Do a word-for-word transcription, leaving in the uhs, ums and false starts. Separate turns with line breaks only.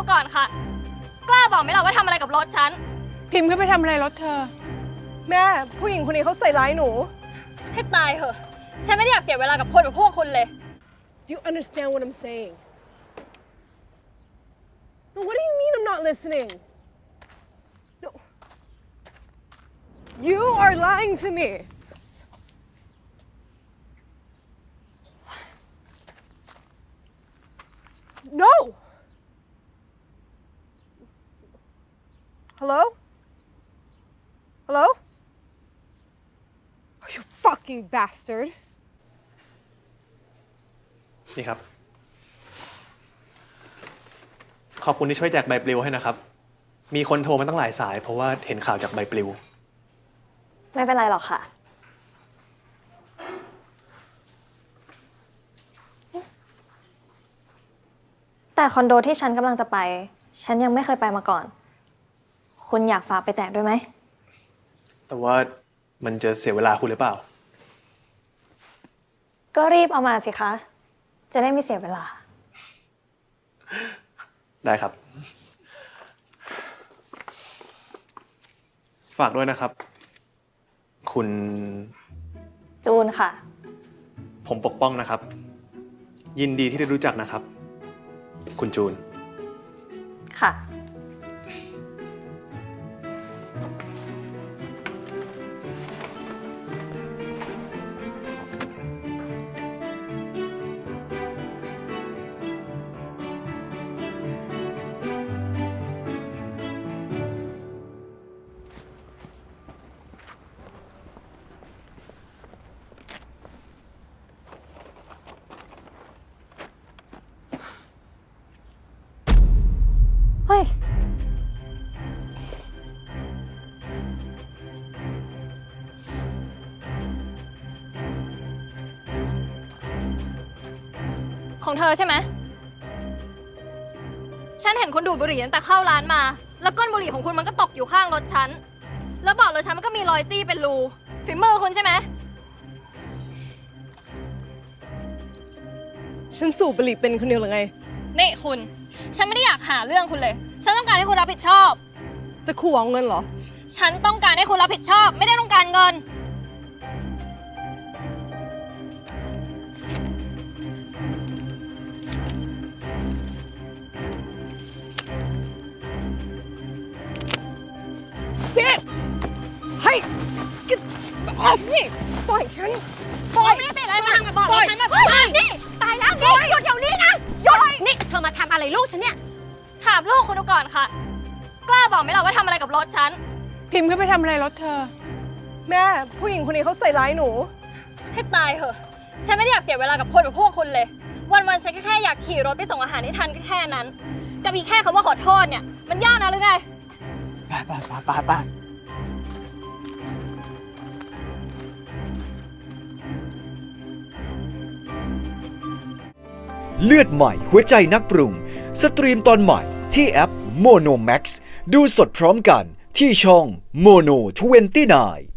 ก่อนค่ะกล้าบอกไหมล่ะว่าทำอะไรกับรถฉัน
พิมพ์ก็ไปทำอะไรรถเธอ
แม่ผู้หญิงคนนี้เขาใส่ร้ายหนู
ให้ตายเหอะฉันไม่ได้อยากเสียเวลากับคนแบบพวกคุณเลย
Do you understand what I'm saying? No, what do you mean I'm not listening? No. You are lying to me. No. Hello? Hello? Oh, you fucking bastard.
นี่ครับขอบคุณที่ช่วยแจกใบปลิวให้นะครับมีคนโทรมาตั้งหลายสายเพราะว่าเห็นข่าวจากใบปลิว
ไม่เป็นไรหรอกค่ะแต่คอนโดที่ฉันกำลังจะไปฉันยังไม่เคยไปมาก่อนคุณอยากฝากไปแจกด้วยไหม
แต่ว่ามันจะเสียเวลาคุณหรือเปล่า
ก็รีบเอามาสิคะจะได้ไม่เสียเวลา
ได้ครับฝากด้วยนะครับคุณ
จูนค่ะ
ผมปกป้องนะครับยินดีที่ได้รู้จักนะครับคุณจูน
ค่ะเฮ้ยของเธอใช่ไหมฉันเห็นคุณดูดบุหรี่ตั้งแต่เข้าร้านมาแล้วก้นบุหรี่ของคุณมันก็ตกอยู่ข้างรถฉันแล้วเบาะรถฉันมันก็มีรอยจี้เป็นรูฝีมือคุณใช่ไหม
ฉันสูบบุหรี่เป็นคนเดียวหรือไง
นี่คุณฉันไม่ได้อยากหาเรื่องคุณเลยฉันต้องการให้คุณรับผิดชอบ
จะขู่เอาเงินเหรอ
ฉันต้องการให้คุณรับผิดชอบไม่ได้ต้องการเงิน
พี่ให้กินออกนี่ปล่อยฉันปล่อย
ไม่ได้ติดอะไรมากับบอกฉันแบบนี่ตายแล้วนี่หยุดเดี๋ยวนี้นะหยุดนี่เธอมาทำอะไรลูกฉันเนี่ยถามลูกคุณดูก่อนค่ะกล้าบอกไหมล่ะว่าทำอะไรกับรถฉัน
พิมพ์ก็ไปทำอะไรรถเธอ
แม่ผู้หญิงคนนี้เขาใส่ร้ายหนู
ให้ตายเหอะฉันไม่ได้อยากเสียเวลากับคนแบบพวกคุณเลยวันๆฉันแค่อยากขี่รถไปส่งอาหารให้ทันก็แค่นั้นกับอีกแค่คำว่าขอโทษเนี่ยมันยากนะหรือไง
ไปไปไปไปไป
เลือดใหม่หัวใจนักปรุงสตรีมตอนใหม่ที่แอป Mono Max ดูสดพร้อมกันที่ช่อง Mono ยี่สิบเก้า